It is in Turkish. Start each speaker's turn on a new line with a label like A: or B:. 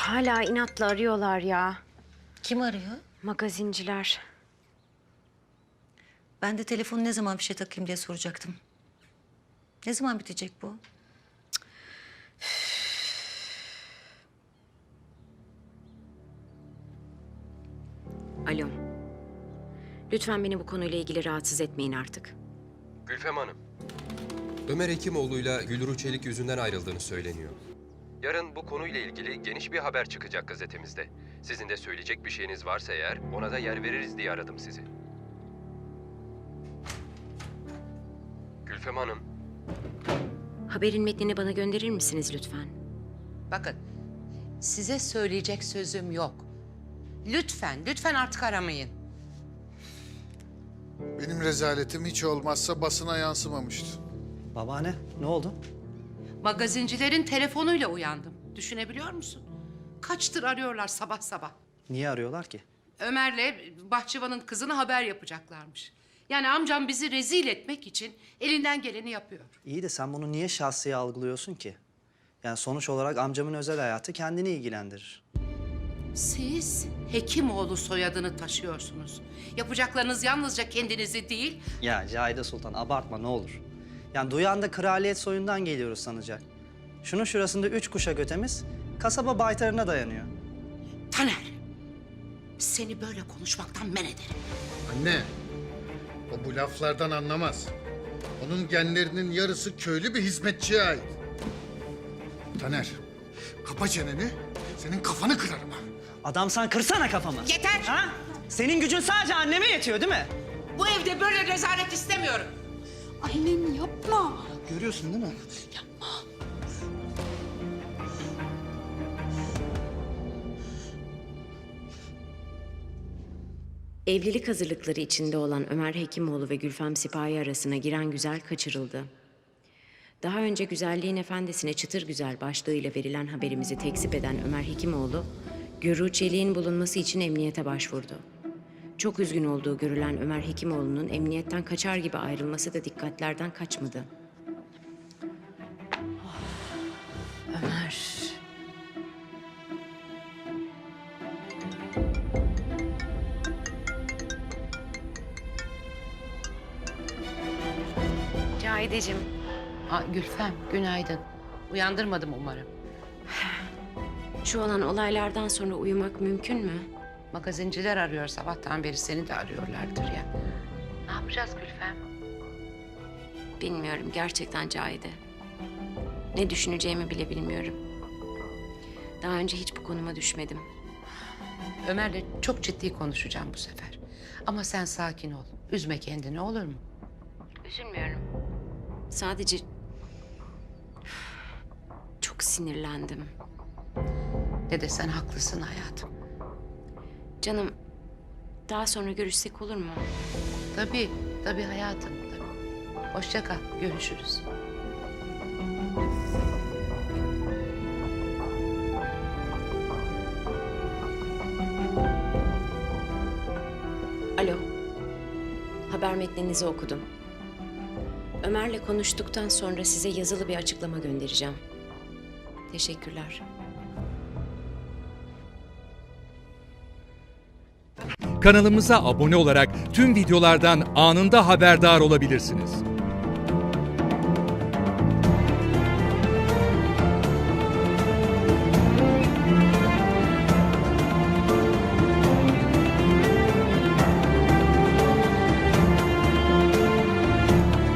A: Hala inatla arıyorlar ya.
B: Kim arıyor?
A: Magazinciler.
B: Ben de telefonu ne zaman fişe takayım diye soracaktım. Ne zaman bitecek bu?
A: Alo. Lütfen beni bu konuyla ilgili rahatsız etmeyin artık.
C: Gülfem Hanım, Ömer Hekimoğlu'yla Gülru Çelik yüzünden ayrıldığını söyleniyor. Yarın bu konuyla ilgili geniş bir haber çıkacak gazetemizde. Sizin de söyleyecek bir şeyiniz varsa eğer ona da yer veririz diye aradım sizi. Gülfem Hanım.
A: Haberin metnini bana gönderir misiniz lütfen?
D: Bakın, size söyleyecek sözüm yok. Lütfen artık aramayın.
E: Benim rezaletim hiç olmazsa basına yansımamıştı.
F: Babaanne, ne oldu?
D: Magazincilerin telefonuyla uyandım. Düşünebiliyor musun? Kaçtır arıyorlar sabah sabah.
F: Niye arıyorlar ki?
D: Ömer'le bahçıvanın kızına haber yapacaklarmış. Yani amcam bizi rezil etmek için elinden geleni yapıyor.
F: İyi de sen bunu niye şahsiye algılıyorsun ki? Yani sonuç olarak amcamın özel hayatı kendini ilgilendirir.
D: Siz Hekimoğlu soyadını taşıyorsunuz. Yapacaklarınız yalnızca kendinizi değil...
F: Ya Cahide Sultan abartma ne olur. Yani duyan da kraliyet soyundan geliyoruz sanacak. Şunun şurasında 3 kuşak ötemiz kasaba baytarına dayanıyor.
D: Taner, seni böyle konuşmaktan men ederim.
E: Anne, o bu laflardan anlamaz. Onun genlerinin yarısı köylü bir hizmetçiye ait. Taner, kapa çeneni, senin kafanı kırarım ha.
F: Adam sen kırsana kafamı.
D: Yeter!
F: Ha? Senin gücün sadece anneme yetiyor değil mi?
D: Bu evde böyle rezalet istemiyorum.
G: Annem yapma.
F: Görüyorsun değil mi?
A: Evlilik hazırlıkları içinde olan Ömer Hekimoğlu ve Gülfem Sipahi arasına giren güzel kaçırıldı. Daha önce güzelliğin efendisine çıtır güzel başlığıyla verilen haberimizi tekzip eden Ömer Hekimoğlu, Gülru Çelik'in bulunması için emniyete başvurdu. Çok üzgün olduğu görülen Ömer Hekimoğlu'nun emniyetten kaçar gibi ayrılması da dikkatlerden kaçmadı. Ömer... Cahideciğim.
D: Gülfem, günaydın. Uyandırmadım umarım.
A: Şu olan olaylardan sonra uyumak mümkün mü?
D: Magazinciler arıyor sabahtan beri, seni de arıyorlardır ya. Ne yapacağız Gülfem?
A: Bilmiyorum gerçekten Cahide. Ne düşüneceğimi bile bilmiyorum. Daha önce hiç bu konuma düşmedim.
D: Ömer'le çok ciddi konuşacağım bu sefer. Ama sen sakin ol. Üzme kendini, olur mu?
A: Üzülmüyorum. Sadece çok sinirlendim.
D: Ne desen haklısın hayatım.
A: Canım, daha sonra görüşsek olur mu?
D: Tabii hayatım. Tabii. Hoşça kal, görüşürüz.
A: Alo. Haber metninizi okudum. Ömer'le konuştuktan sonra size yazılı bir açıklama göndereceğim. Teşekkürler.
H: Kanalımıza abone olarak tüm videolardan anında haberdar olabilirsiniz.